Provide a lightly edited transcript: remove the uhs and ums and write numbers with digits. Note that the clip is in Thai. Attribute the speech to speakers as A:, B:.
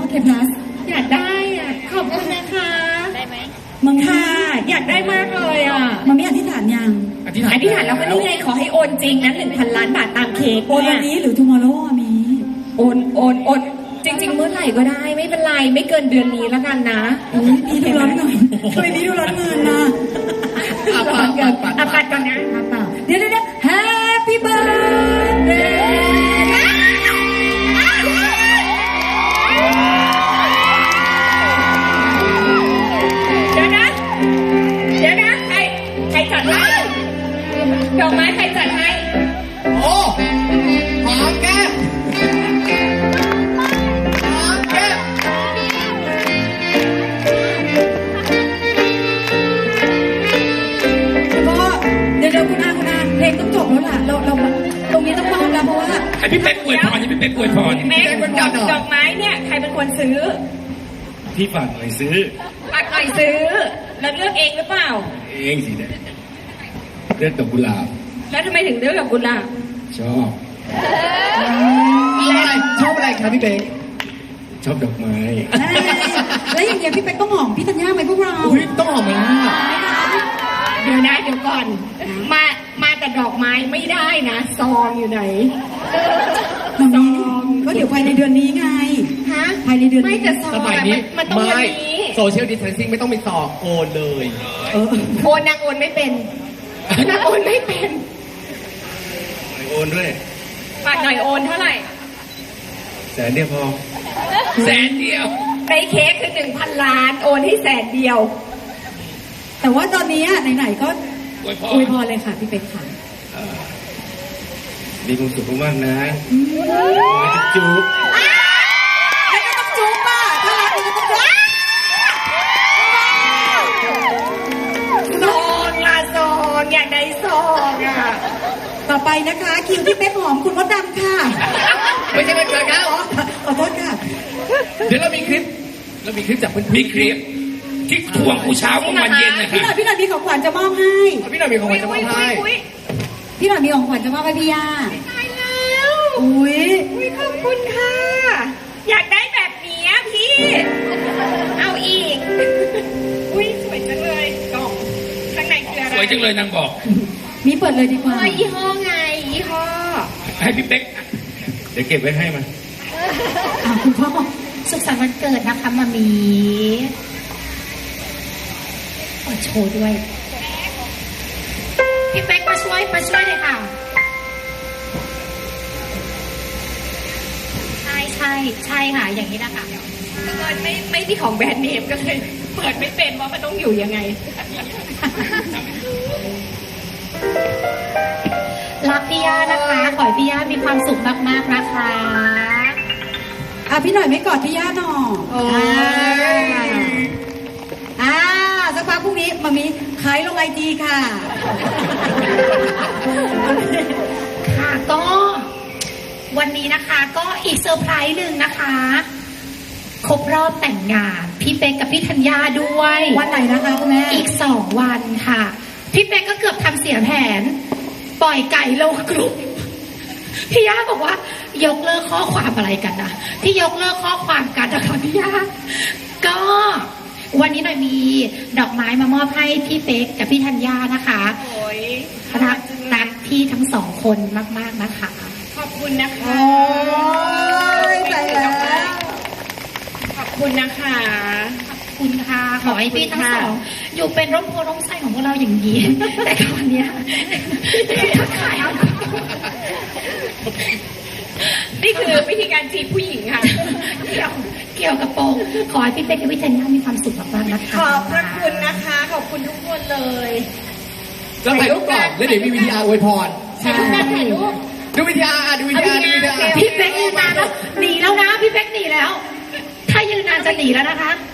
A: เคพลัส
B: อยากได้อ่ะขอบคุณนะคะได้ไหม
A: มัง
B: ค่ะอยากได้มากเลยอ่ะ
A: มันไม่อธิษฐานยัง
B: อธิษฐานแล้วก็นี่ไงขอให้โอนจริงนะ1,000 ล้านบาทตามเค้ก
A: โอนวันนี้หรือ tomorrow อะมี
B: โอนจริง ๆ เมื่อไหร่ก็ได้ไม่เป็นไรไม่เกินเดือนนี้แล้วกันนะ
A: อุ้ยพี่ดูร้อนหน่อยทำไมพี่ดูร้อนเงินนะ
B: ร้อนเกินปัดก่อนนะ
A: เปล่าเดี๋ยวHappy birthday
B: เดี๋ยวนะใครจัดให้ดอกไม้ใครจัดให้
C: โอ้หอมแก้มหอมแก้ม
A: แล้วก็เดี๋ยวคุณอาเพลงต้องจบแล้วล่ะเราตรงนี้ต้องมอบแล้วเพราะว่า
D: ให้พี่เป๊กอวยพรให้พี่เป๊กอวยพร
B: แม่ดอกไม้เนี่ยใครเป็นคนซื้อ
D: พี่ฝากหน่อยซื้อ
B: ปัดหน่อยซื้อ แล้วเลือกเองหรือเปล่า
D: เองสิเนี่ยเลือดดอกกุหลาบ
B: แล้วทำไมถึงเลือกกับกุหลาบ
D: ชอบ
C: ชอบอะไรครับพี่เป๊ก
D: ชอบดอกไม้
A: แล้วอย่างเงี้ยพี่เป๊กต้องหอมพี่ธัญญาไหมพวกเรา
C: อุ้ยต้องหอมมาก
B: เดี๋ยวก่อน มาแต่ดอกไม้ไม่ได้นะซองอยู่ไหน
A: มันมีก็เดี๋ยวภายในเดือนนี้ไง
B: ฮะ
A: ภายในเดือนนี้
B: ไม่แต่ซอง
C: สมัยนี้
B: มันต้องวันนี้
C: โซเชียลดิสแทนซิ่งไม่ต้องมีต่อโอนเลย
A: เออ
B: โอนนางโอนไม่เป็นนางโอนไม่เป็น
D: โอนด้วย
B: ปัดหน่อยโอนเท่าไหร่
D: แสนเดียวพอแสนเดียว
B: ในเค้กคือ1,000 ล้านโอนให้100,000 เดียว
A: แต่ว่าตอนนี้ไหนๆก็
D: อวยพ
A: อวยพ
D: ร
A: รเลยค่ะพี่เป๊กค่ะ
D: มีความสุขมากๆนะจุ๊บ
A: แล้วก็ต้องจุ๊บป่ะถ้ารักก็ต้องจุ๊บ
B: ซองละซองอยากได้ซองอ่ะ
A: ต่อไปนะคะคิวที่เป๊กหอมคุณมดดำค่ะ
C: ไม่ใช่ไม่เกิดครับ
A: ขอโทษค่ะ
C: เดี๋ยวเรามีคลิปจากเพื่อน
D: มีคลิปที่ทวงกูเช้ากลางวันเย็นนะ
A: พี่
D: คะ
A: หน่อยมีของขวัญจะมอบให้
C: พี่หน่อยมีของขวัญจะมอบให้
A: พี่หน่อยมีของขวัญจะมอบให้พี่ย่า
B: ตายแล้ว
A: อุ้ย
B: ขอบคุณค่ะ อยากได้แบบนี้อะพี่ เอาอีก อุ้ยสวยจังเลยกล่องข้างในคืออะไร
D: สวยจังเลยนางบอก
A: มีเปิดเลยดีกว่า
B: ยี่ห้อไงยี่ห้อ
D: ให้พี่เป๊กเดี๋ยวเก็บไว้ให้มัน
A: คุณพ่อ
E: สุขสันต์วันเกิดนะคะมามีขอโชว์ด้วย พี่เป๊กมาช่วยเลยค่ะ ใช่ค่ะ อย่างนี้นะคะ
B: บังเอิญไม่มีของแบรนด์เนมก็เลยเปิดไม่เป็นว่ามันต้องอยู่ยังไง
E: รักพี่ย่านะคะ ขอให้พี่ย่ามีความสุขมากๆนะคะ
A: พี่หน่อยไม่กอดพี่ย่าหน่อย
B: โอ้ย
A: สักพักพรุ่งนี้มามีขายลงไอจีค่ะ
E: ค่ะก็วันนี้นะคะก็อีกเซอร์ไพรส์หนึ่งนะคะ ครบรอบแต่งงานพี่เป๊กกับพี่ธัญญาด้วย
A: วันไหนนะคะคุณแม่
E: อีก2 วันค่ะ พี่เป๊กก็เกือบทำเสียแผน ปล่อยไก่ลงกลุ่มพี่ย่าบอกว่ายกเลิกข้อความอะไรกันนะที่ยกเลิกข้อความกันนะคะพี่ย่าก็วันนี้หน่อยมีดอกไม้มามอบให้พี่เป๊กกับพี่ธัญญานะคะ
B: โอ้ย
E: รักพี่ทั้ง2 คนมากๆนะคะ
B: ขอบคุณนะคะ
A: โอ้ยใจแล้ว
B: ขอบคุณนะคะ
E: ขอบคุณค่ะ ขอให้พี่ทั้งสองอยู่เป็นร่มโพร่มไส้ของพวกเราอย่างนี้ แต่ตอนเนี้ยทักทายเอา
B: นี่คือวิธีการจีบผู้หญิงค่ะ
E: เกี่ยวกับโปรงขอให้พี่เป๊กกับพี่ธัญญามีความสุขมากๆนะคะ
B: ขอบพระคุณนะคะ ขอบคุณทุกคนเลย
C: เราถ่ายรูปก่อนแล้วเดี๋ยวมีวิดีอาร์อวยพร
B: ถ่ายรูปกันถ่ายรูป
C: ดูวิดีอาร์ดูวิดีอาร์ดูวิดีอาร์
E: พี่เป๊กยืนนานแล้วหนีแล้วนะพี่เป๊กหนีแล้ว ถ้ายืนนานจะหนีแล้วนะคะ